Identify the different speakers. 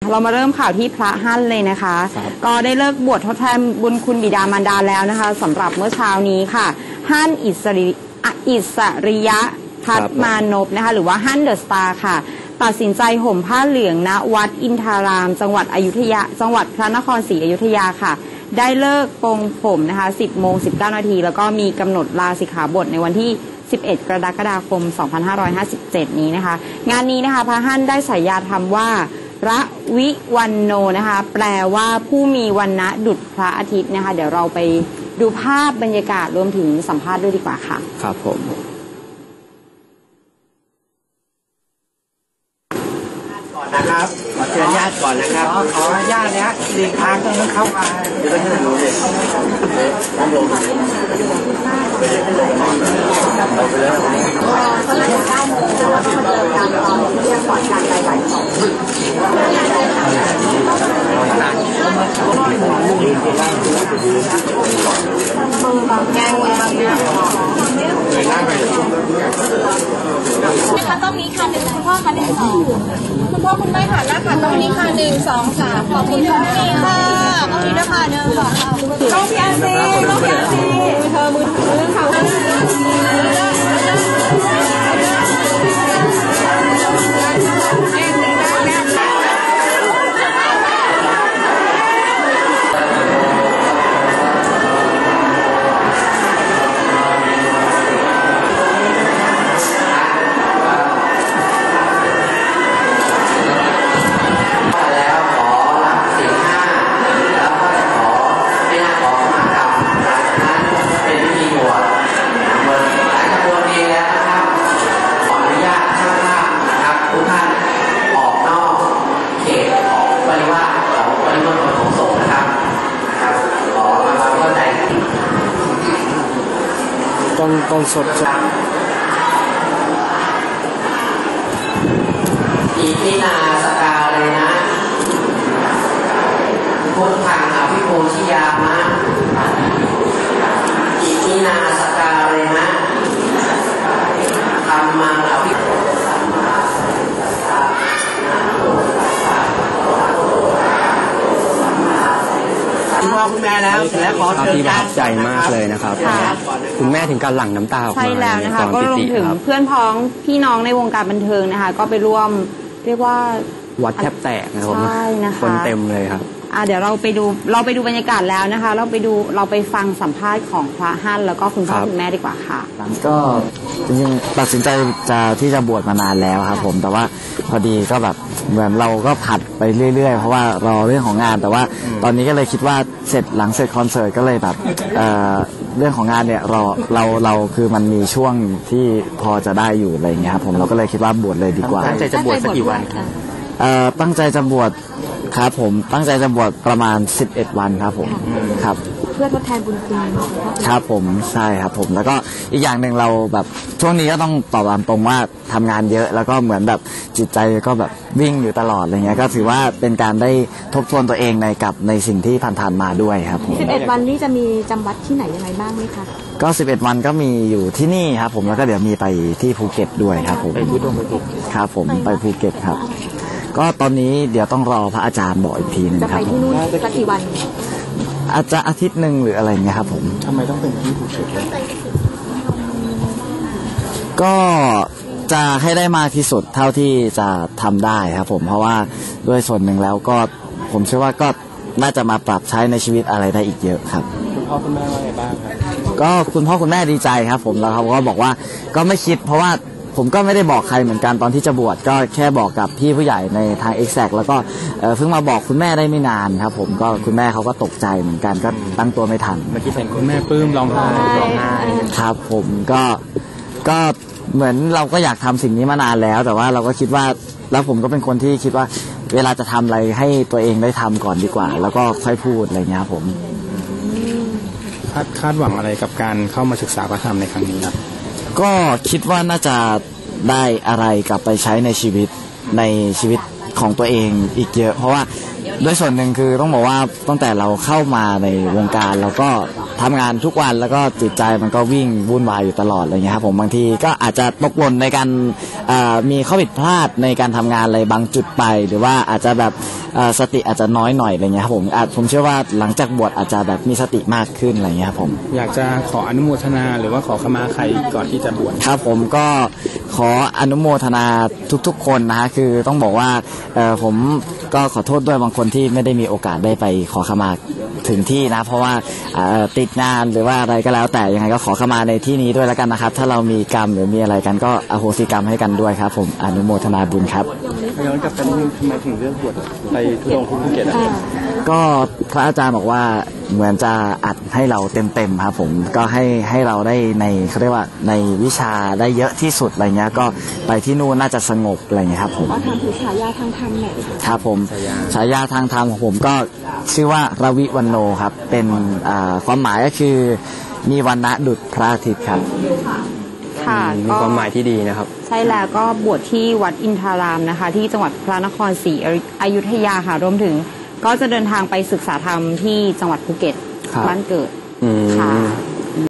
Speaker 1: เรามาเริ่มข่าวที่พระฮั่นเลยนะคะก็ได้เลิกบวชทดแทนบุญคุณบิดามารดาแล้วนะคะสำหรับเมื่อเช้านี้ค่ะฮั่นอิสริยะพัฒมานพนะคะหรือว่าฮั่นเดอะสตาร์ค่ะตัดสินใจห่มผ้าเหลืองณวัดอินทารามจังหวัดพระนครศรีอยุธยาค่ะได้เลิกปรงผมนะคะ 10:19 นาทีแล้วก็มีกำหนดลาสิกขาบทในวันที่11 กรกฎาคม 2557 นี้นะคะงานนี้นะคะพระฮั่นได้ฉายาธรรมว่าระวิวันโนนะคะแปลว่าผู้มีวันณะดุจพระอาทิตย์นะคะเดี๋ยวเราไปดูภาพบรรยากาศรวมถึงสัมภาษณ์ด้วยดีกว่าค่ะ
Speaker 2: ครับผม
Speaker 3: ก่อนนะครับขอเชิญญาติก่อนนะครับขอญาติเนี้ยหลีกทางตรงนั้นเข้ามาเดี๋ยวจะดูเลยต้องลงไปเลยก็เลย9 โมงแล้วก็มาเจอกันตอนเที่ยงก่อนการไปบ่าย 2แกงเลย
Speaker 4: นะคะต้องมีค่ะ1คุณพ่อค่ะ1 2คุณพ่อคุณแม่ค่ะหน้าค่ะต้องมีค่ะ1 2 3ขอบคุณค่ะค่ะต้องมีด้วยค่ะ1 2ต้องพี่อาซีเธอมือค่ะ
Speaker 2: ต้องสด
Speaker 3: อีที่นาสกาเลยนะพุทธังอภิปูชยามะอีที่นาสกาเลยนะธรรมังอภิคุณพ่อคุณแม่แล้วและขอเชิญ
Speaker 2: ที่ประทับใจมากเลยนะครับคุณแม่ถึงการหลั่งน้ำตาออกมา
Speaker 1: ใช่แล้วนะคะก็รวมถึงเพื่อนพ้องพี่น้องในวงการบันเทิงนะคะก็ไปร่วมเรียกว่า
Speaker 2: วัดแทบแตกนะครับ
Speaker 1: ใช่นะคะ
Speaker 2: คนเต็มเลยครับ
Speaker 1: เดี๋ยวเราไปดูบรรยากาศแล้วนะคะเราไปฟังสัมภาษณ์ของพระฮั่นแล้วก็คุณพ่อคุณแม่ดีกว่าค่ะ
Speaker 5: ก็จริงๆตัดสินใจที่จะบวชมานานแล้วครับผมแต่ว่าพอดีก็แบบเหมือนเราก็ผัดไปเรื่อยๆเพราะว่ารอเรื่องของงานแต่ว่าตอนนี้ก็เลยคิดว่าหลังเสร็จคอนเสิร์ตก็เลยแบบเรื่องของงานเนี่ยเราคือมันมีช่วงที่พอจะได้อยู่อะไรอย่างเงี้ยครับผมเราก็เลยคิดว่าบวชเลยดีกว่า
Speaker 2: ตั้งใจจะบวชสักกี่วันครับ
Speaker 5: ตั้งใจจะบวชครับผมตั้งใจจะบวชประมาณ11 วันครับผมครับ
Speaker 4: เพื่อทดแทนบุญคุณ
Speaker 5: ครับผมใช่ครับผมแล้วก็อีกอย่างหนึ่งเราแบบช่วงนี้ก็ต้องตอบตามตรงว่าทำงานเยอะแล้วก็เหมือนแบบจิตใจก็แบบวิ่งอยู่ตลอดอะไรเงี้ยก็ถือว่าเป็นการได้ทบทวนตัวเองในสิ่งที่ผ่านๆมาด้วยครับผม
Speaker 4: 11 วันนี้จะมีจำวัดที่ไหนยังไงบ้างไหมคะ
Speaker 5: ก็11 วันก็มีอยู่ที่นี่ครับผมแล้วก็เดี๋ยวมีไปที่ภูเก็ตด้วยครับผม
Speaker 2: ไปภูเก็ต
Speaker 5: ครับผมไปภูเก็ตครับก็ตอนนี้เดี๋ยวต้องรอพระอาจารย์บอกอีกทีนึงครับ
Speaker 4: จะไปที่นู่นสักกี่วัน
Speaker 5: อาจจะอาทิตย์หนึ่งหรืออะไรเงี้ยครับผม
Speaker 2: ทำไมต้องเป็นที่ภูเก็ต
Speaker 5: ก็จะให้ได้มากที่สุดเท่าที่จะทำได้ครับผมเพราะว่าด้วยส่วนหนึ่งแล้วก็ผมเชื่อว่าก็น่าจะมาปรับใช้ในชีวิตอะไรได้อีกเยอะครับ
Speaker 2: คุณพ่อคุณแม่ว่าไงบ้างครับ
Speaker 5: ก็คุณพ่อคุณแม่ดีใจครับผมแล้วเขาก็บอกว่าก็ไม่คิดเพราะว่าผมก็ไม่ได้บอกใครเหมือนกันตอนที่จะบวชก็แค่บอกกับพี่ผู้ใหญ่ในทาง Exact แล้วก็เพิ่งมาบอกคุณแม่ได้ไม่นานครับผมก็คุณแม่เขาก็ตกใจเหมือนกันก็ตั้งตัวไม่ทัน
Speaker 2: เมื่อกี้เห็นคุณแม่ปลื้มร้องไห้
Speaker 5: ครับผมก็เหมือนเราก็อยากทำสิ่งนี้มานานแล้วแต่ว่าเราก็คิดว่าแล้วผมก็เป็นคนที่คิดว่าเวลาจะทำอะไรให้ตัวเองได้ทำก่อนดีกว่าแล้วก็ค่อยพูดอะไรเงี้ยครับผม
Speaker 2: คาดหวังอะไรกับการเข้ามาศึกษาพระธรรมในครั้งนี้ครับ
Speaker 5: ก็คิดว่าน่าจะได้อะไรกลับไปใช้ในชีวิตของตัวเองอีกเยอะเพราะว่าด้วยส่วนหนึ่งคือต้องบอกว่าตั้งแต่เราเข้ามาในวงการเราก็ทำงานทุกวันแล้วก็จิตใจมันก็วิ่งวุ่นวายอยู่ตลอดอะไรเงี้ยครับผมบางทีก็อาจจะตกหล่นในการมีข้อผิดพลาดในการทำงานอะไรบางจุดไปหรือว่าอาจจะแบบสติอาจจะน้อยหน่อยอะไรเงี้ยครับผมเชื่อว่าหลังจากบวชอาจจะแบบมีสติมากขึ้นอะไรเงี้ยครับผม
Speaker 2: อยากจะขออนุโมทนาหรือว่าขอขมาใครก่อนที่จะบวช
Speaker 5: ครับผมก็ขออนุโมทนาทุกๆคนนะฮะคือต้องบอกว่าผมก็ขอโทษด้วยบางคนที่ไม่ได้มีโอกาสได้ไปขอขมาถึงที่นะเพราะว่าติดงานหรือว่าอะไรก็แล้วแต่ยังไงก็ขอขมาในที่นี้ด้วยแล้วกันนะครับถ้าเรามีกรรมหรือมีอะไรกันก็อโหสิกรรมให้กันด้วยครับผมอนุโมทนาบุญครับ
Speaker 2: ย้อนกลับไปนิดนึงทำไมถึงเลือกบวชไปทุดงค์ที่ภูเก็ต
Speaker 5: ก็พระอาจารย์บอกว่าเหมือนจะอัดให้เราเต็มครับผมก็ให้เราได้ในเขาเรียกว่าในวิชาได้เยอะที่สุดอะไรเงี้ยก็ไปที่นู่นน่าจะสงบอะไรเงี้ยครับผม
Speaker 4: ว่าทำคือฉายาทางธรรมเนี่ย
Speaker 5: ครับผมฉายาทางธรรมของผมก็ชื่อว่าราวิวันโนครับเป็นความหมายก็คือมีวรรณะดุจพระอาทิตย์ครับ
Speaker 1: ค่ะ
Speaker 2: มีความหมายที่ดีนะครับ
Speaker 1: ใช่แล้วก็บวชที่วัดอินทารามนะคะที่จังหวัดพระนครศรีอยุธยาค่ะรวมถึงก็จะเดินทางไปศึกษาธรรมที่จังหวัดภูเก็ตบ้านเกิดค่ะ